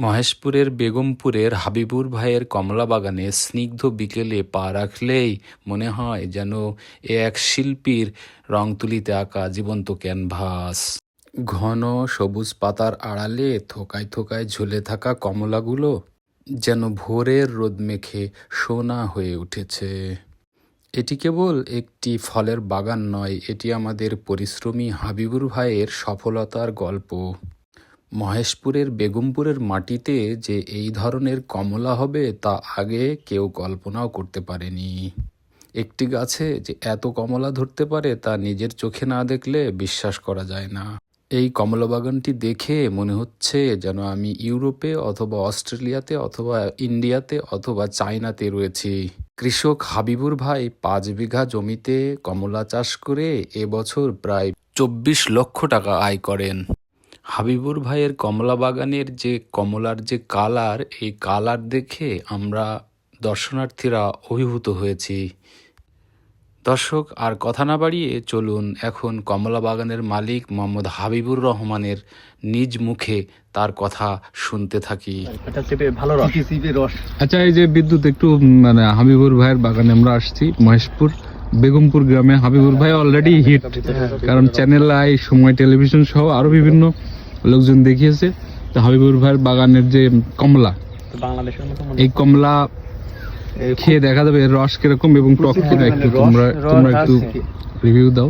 মহেশপুরের বেগমপুরের হাবিবুর ভাইয়ের কমলা বাগানে স্নিগ্ধ বিকেলে পা রাখলেই মনে হয় যেন এ এক শিল্পীর রং তুলিতে আঁকা জীবন্ত ক্যানভাস। ঘন সবুজ পাতার আড়ালে থোকায় থোকায় ঝুলে থাকা কমলাগুলো যেন ভোরের রোদ মেখে সোনা হয়ে উঠেছে। এটি কেবল একটি ফলের বাগান নয়, এটি আমাদের পরিশ্রমী হাবিবুর ভাইয়ের সফলতার গল্প। মহেশপুরের বেগমপুরের মাটিতে যে এই ধরনের কমলা হবে তা আগে কেউ কল্পনাও করতে পারেনি। একটি গাছে যে এত কমলা ধরতে পারে তা নিজের চোখে না দেখলে বিশ্বাস করা যায় না। এই কমলা বাগানটি দেখে মনে হচ্ছে যেন আমি ইউরোপে অথবা অস্ট্রেলিয়াতে অথবা ইন্ডিয়াতে অথবা চায়নাতে রয়েছি। কৃষক হাবিবুর ভাই 5 বিঘা জমিতে কমলা চাষ করে এবছর প্রায় 24 লক্ষ টাকা আয় করেন। হাবিবুর ভাইয়ের কমলা বাগানের যে কমলার যে কালার, এই কালার দেখে আমরা দর্শনার্থীরা অভিভূত হয়েছি। দর্শক, আর কথা না বাড়িয়ে চলুন এখন কমলা বাগানের মালিক মোহাম্মদ হাবিবুর রহমানের নিজ মুখে তার কথা শুনতে থাকি। আচ্ছা, এই যে বিদ্যুৎ একটু হাবিবুর ভাইয়ের বাগানে আমরা আসছি, মহেশপুর বেগমপুর গ্রামে। হাবিবুর ভাই অলরেডি হিট, কারণ চ্যানেল আই, সময় টেলিভিশন সহ আরো বিভিন্ন লোকজন দেখিয়েছে। তো হাবিবুর ভাইয়ের বাগানের যে কমলা, এই কমলা খেয়ে দেখা যাবে এর রস কিরকম এবং টক কিনা, একটু তোমরা একটু রিভিউ দাও।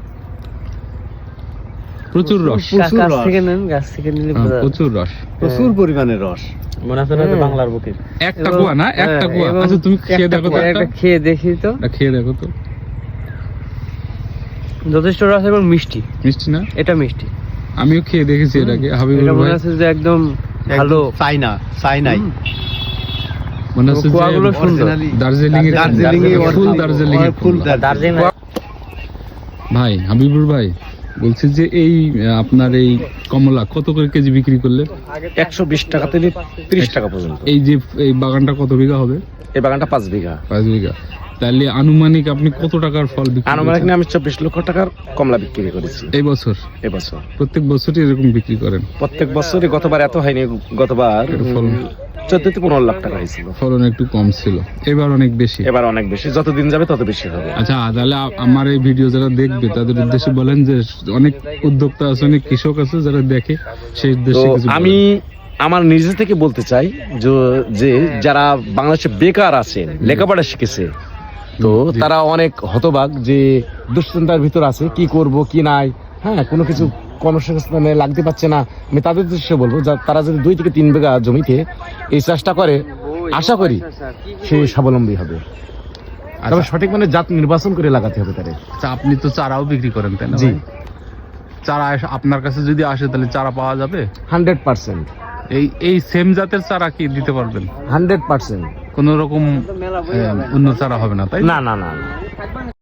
প্রচুর রস, প্রচুর রস, প্রচুর পরিমাণে রস। মনে হচ্ছে না যে বাংলার বুকে একটা কুয়া না, একটা কুয়া। আচ্ছা, তুমি খেয়ে দেখো তো, একটা খেয়ে দেখি তো, খেয়ে দেখো তো। যথেষ্ট রস এবং মিষ্টি। মিষ্টি না? এটা মিষ্টি। আমিও খেয়ে দেখেছি এটাকে। হাবিবুর ভাই মনে হচ্ছে যে একদম ভালো, চাইনাই মনে হচ্ছে কুয়াগুলো সুন্দর। দার্জিলিং এর ফুল। ভাই হাবিবুর ভাই বলছি যে এই আপনার এই কমলা কত করে কেজি বিক্রি করলে? 120 টাকা থেকে 30 টাকা পর্যন্ত। এই যে এই বাগানটা কত বিঘা হবে? এই বাগানটা 5 বিঘা। 5 বিঘা। তাহলে আনুমানিক আপনি কত টাকার ফল বিক্রি করেছেন? আনুমানিক আমি 24 লক্ষ টাকার কমলা বিক্রি করেছি এই বছর। প্রত্যেক বছরই এরকম বিক্রি করেন? প্রত্যেক বছরই। গতবার এত হয়নি, গতবার 14-15 লাখ টাকা হয়েছিল। ফলন একটু কম ছিল, এবার অনেক বেশি। এবার অনেক বেশি, যত দিন যাবে তত বেশি হবে। আচ্ছা, তাহলে আমার এই ভিডিও যারা দেখবে তাদের উদ্দেশ্যে বলেন যে অনেক উদ্যোক্তা আছে, অনেক কৃষক আছে যারা দেখে, সেই উদ্দেশ্যে কিছু বলেন। আমি আমার নিজে থেকে বলতে চাই যে যারা বাংলাদেশে বেকার আছেন, লেখাপড়া শিখেছে, তো তারা অনেক হতবাক, যে দুশ্চিন্তার ভিতর আছে, কি করব কি নাই, হ্যাঁ, কোনো কিছু কর্মসংস্থানে লাগতে পারছে না। আমি তাদের উদ্দেশ্যে বলবো তারা যদি 2 থেকে 3 বিঘা জমিতে এই চাষটা করে, আশা করি সে স্বাবলম্বী হবে। তবে সঠিক মানে জাত নির্বাচন করে লাগাতে হবে তাদের। আপনি তো চারাও বিক্রি করেন, তাই না? জি। চারা আপনার কাছে যদি আসে তাহলে চারা পাওয়া যাবে 100%। এই সেম জাতের চারা কি দিতে পারবেন? 100%। কোন রকম অন্য চারা হবে না, তাই না।